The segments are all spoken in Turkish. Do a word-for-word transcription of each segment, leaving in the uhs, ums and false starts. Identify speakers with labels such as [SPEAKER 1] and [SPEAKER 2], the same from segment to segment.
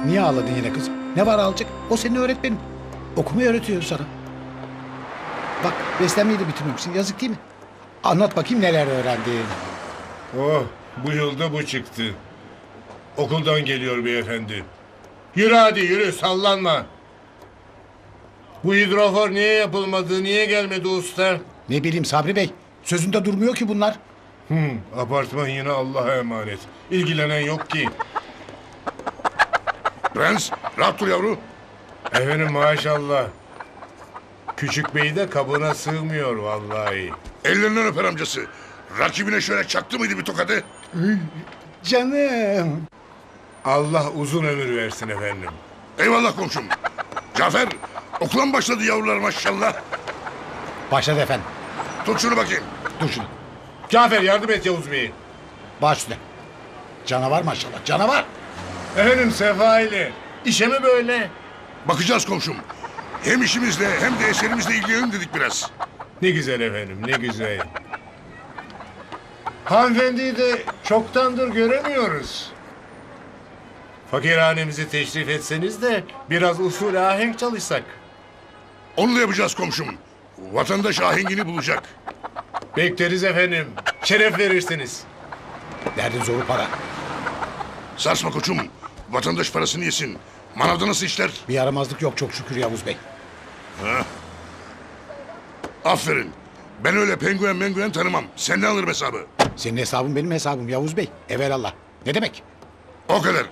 [SPEAKER 1] Niye ağladın yine kızım? Ne var ağlayacak? O senin öğretmenin. Okumayı öğretiyor sana. Bak beslenmeyi de bitirmemişsin. Yazık değil mi? Anlat bakayım neler öğrendin.
[SPEAKER 2] Oh, bu yılda bu çıktı. Okuldan geliyor beyefendi. Yürü hadi yürü, sallanma. Bu hidrofor niye yapılmadı, niye gelmedi usta?
[SPEAKER 1] Ne bileyim Sabri Bey. Sözünde durmuyor ki bunlar.
[SPEAKER 2] Hmm, apartman yine Allah'a emanet. İlgilenen yok ki.
[SPEAKER 3] Prens, rahat dur yavru.
[SPEAKER 2] Efendim maşallah. Küçük bey de kabına sığmıyor vallahi.
[SPEAKER 3] Ellerinden öper amcası. Rakibine şöyle çaktı mıydı bir tokadı?
[SPEAKER 1] Canım.
[SPEAKER 2] Allah uzun ömür versin efendim.
[SPEAKER 3] Eyvallah komşum. Cafer, okula mı başladı yavrular maşallah?
[SPEAKER 1] Başladı efendim.
[SPEAKER 3] Tut şunu bakayım.
[SPEAKER 1] Dur şunu.
[SPEAKER 2] Cafer yardım et Yavuz Bey'e.
[SPEAKER 1] Baş üstüne. Canavar maşallah. Canavar.
[SPEAKER 2] Efendim Sefa ile. İşe mi böyle?
[SPEAKER 3] Bakacağız komşum. Hem işimizle hem de eserimizle ilgilenelim dedik biraz.
[SPEAKER 2] Ne güzel efendim, ne güzel. Hanımefendiyi de çoktandır göremiyoruz. Fakirhanemizi teşrif etseniz de biraz usul ahenk çalışsak.
[SPEAKER 3] Onu da yapacağız komşum. Vatandaş ahengini bulacak.
[SPEAKER 2] Bekleriz efendim. Şeref verirsiniz.
[SPEAKER 1] Derdin zoru para.
[SPEAKER 3] Sarsma koçum. Vatandaş parasını yesin. Manavda nasıl işler?
[SPEAKER 1] Bir yaramazlık yok çok şükür Yavuz Bey.
[SPEAKER 3] Aferin. Ben öyle penguen menguen tanımam. Senden alırım hesabı.
[SPEAKER 1] Senin hesabın benim hesabım Yavuz Bey. Evelallah. Ne demek?
[SPEAKER 3] O kadar.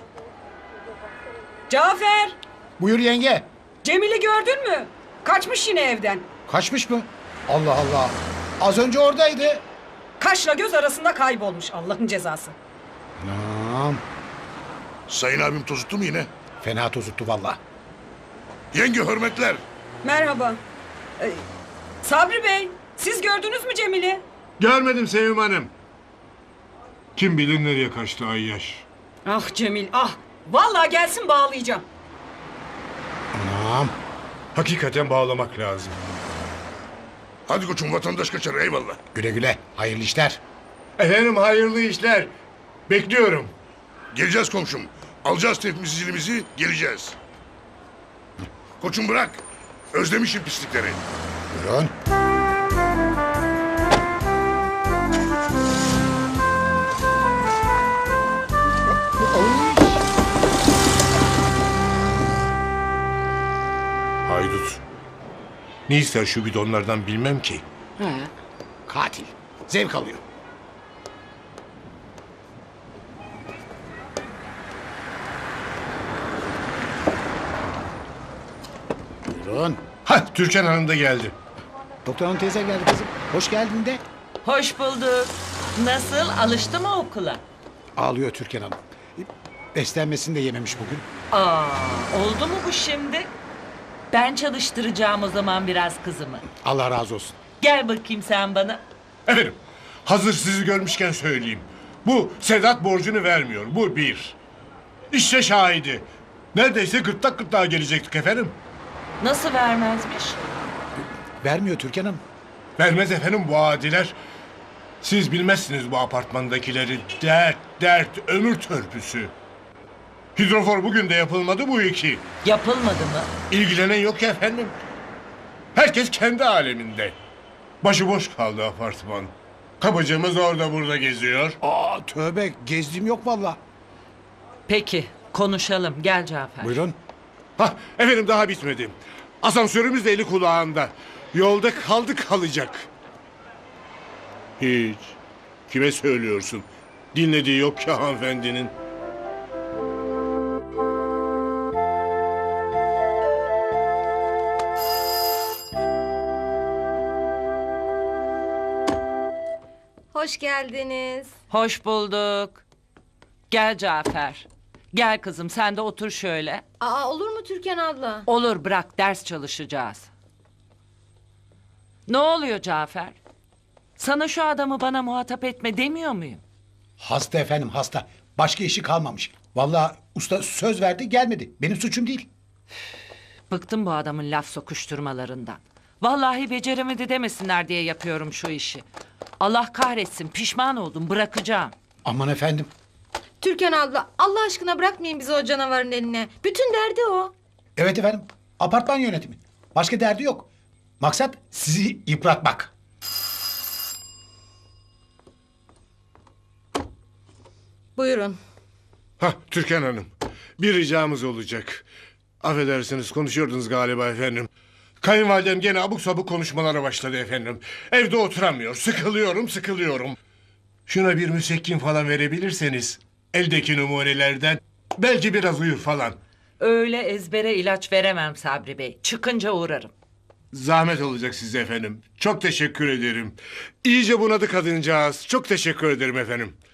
[SPEAKER 4] Cafer,
[SPEAKER 1] Buyur yenge.
[SPEAKER 4] Cemil'i gördün mü? Kaçmış yine evden.
[SPEAKER 1] Kaçmış mı? Allah Allah. Az önce oradaydı.
[SPEAKER 4] Kaşla göz arasında kaybolmuş Allah'ın cezası.
[SPEAKER 1] Anam.
[SPEAKER 3] Sayın abim tozuttu mu yine?
[SPEAKER 1] Fena tozuttu valla.
[SPEAKER 3] Yenge hürmetler.
[SPEAKER 4] Merhaba. Ee, Sabri Bey, siz gördünüz mü Cemil'i?
[SPEAKER 2] Görmedim Sevim Hanım. Kim bilir nereye kaçtı Ayyaş.
[SPEAKER 4] Ah Cemil, ah. Vallahi gelsin bağlayacağım.
[SPEAKER 1] Anam.
[SPEAKER 2] Hakikaten bağlamak lazım.
[SPEAKER 3] Hadi koçum vatandaş kaçar eyvallah.
[SPEAKER 1] Güle güle. Hayırlı işler.
[SPEAKER 2] Efendim hayırlı işler. Bekliyorum.
[SPEAKER 3] Geleceğiz komşum. Alacağız tepimizi zilimizi geleceğiz. Koçum bırak. Özlemişim pislikleri.
[SPEAKER 1] Buyurun.
[SPEAKER 2] Haydut. Ne ister şu bidonlardan bilmem ki.
[SPEAKER 1] He. Katil. Zevk alıyor. Buyurun.
[SPEAKER 2] Hah Türkan Hanım da geldi.
[SPEAKER 1] Doktor hanım teyze geldi kızım. Hoş geldin de.
[SPEAKER 5] Hoş bulduk. Nasıl? Alıştı mı okula?
[SPEAKER 1] Ağlıyor Türkan Hanım. Beslenmesini de yememiş bugün.
[SPEAKER 5] Aa, oldu mu bu şimdi? Ben çalıştıracağım o zaman biraz kızımı.
[SPEAKER 1] Allah razı olsun.
[SPEAKER 5] Gel bakayım sen bana.
[SPEAKER 2] Efendim hazır sizi görmüşken söyleyeyim. Bu Sedat borcunu vermiyor. Bu bir. İşte şahidi. Neredeyse gırtlak gırtlağa gelecektik efendim.
[SPEAKER 5] Nasıl vermezmiş?
[SPEAKER 1] Vermiyor Türkan Hanım.
[SPEAKER 2] Vermez efendim bu adiler. Siz bilmezsiniz bu apartmandakileri. Dert, dert, ömür törpüsü. Hidrofor bugün de yapılmadı bu iki.
[SPEAKER 5] Yapılmadı mı?
[SPEAKER 2] İlgilenen yok ki efendim. Herkes kendi aleminde. Başıboş kaldı apartman. Kapıcımız orada burada geziyor.
[SPEAKER 1] Aa tövbe gezdiğim yok valla.
[SPEAKER 5] Peki, konuşalım. Gel Cafer.
[SPEAKER 1] Buyurun.
[SPEAKER 2] Hah efendim daha bitmedi. Asansörümüz de eli kulağında. Yolda kaldı kalacak. Hiç. Kime söylüyorsun? Dinlediği yok ki hanımefendinin.
[SPEAKER 6] Hoş geldiniz.
[SPEAKER 5] Hoş bulduk. Gel Cafer. Gel kızım sen de otur şöyle.
[SPEAKER 6] Aa olur mu Türkan abla?
[SPEAKER 5] Olur bırak ders çalışacağız. Ne oluyor Cafer? Sana şu adamı bana muhatap etme demiyor muyum?
[SPEAKER 1] Hasta efendim hasta. Başka işi kalmamış. Valla usta söz verdi gelmedi. Benim suçum değil.
[SPEAKER 5] Bıktım bu adamın laf sokuşturmalarından. Vallahi beceremedi demesinler diye yapıyorum şu işi. Allah kahretsin pişman oldum bırakacağım.
[SPEAKER 1] Aman efendim.
[SPEAKER 6] Türkan abla Allah aşkına bırakmayın bizi o canavarın eline. Bütün derdi o.
[SPEAKER 1] Evet efendim. Apartman yönetimi. Başka derdi yok. Maksat sizi yıpratmak.
[SPEAKER 6] Buyurun.
[SPEAKER 2] Hah Türkan Hanım. Bir ricamız olacak. Affedersiniz konuşuyordunuz galiba efendim. Kayınvalidem gene abuk sabuk konuşmalara başladı efendim. Evde oturamıyor. Sıkılıyorum sıkılıyorum. Şuna bir müsekkin falan verebilirseniz. Eldeki numunelerden. Belki biraz uyur falan.
[SPEAKER 5] Öyle ezbere ilaç veremem Sabri Bey. Çıkınca uğrarım.
[SPEAKER 2] Zahmet olacak size efendim. Çok teşekkür ederim. İyice bunadı kadıncağız. Çok teşekkür ederim efendim.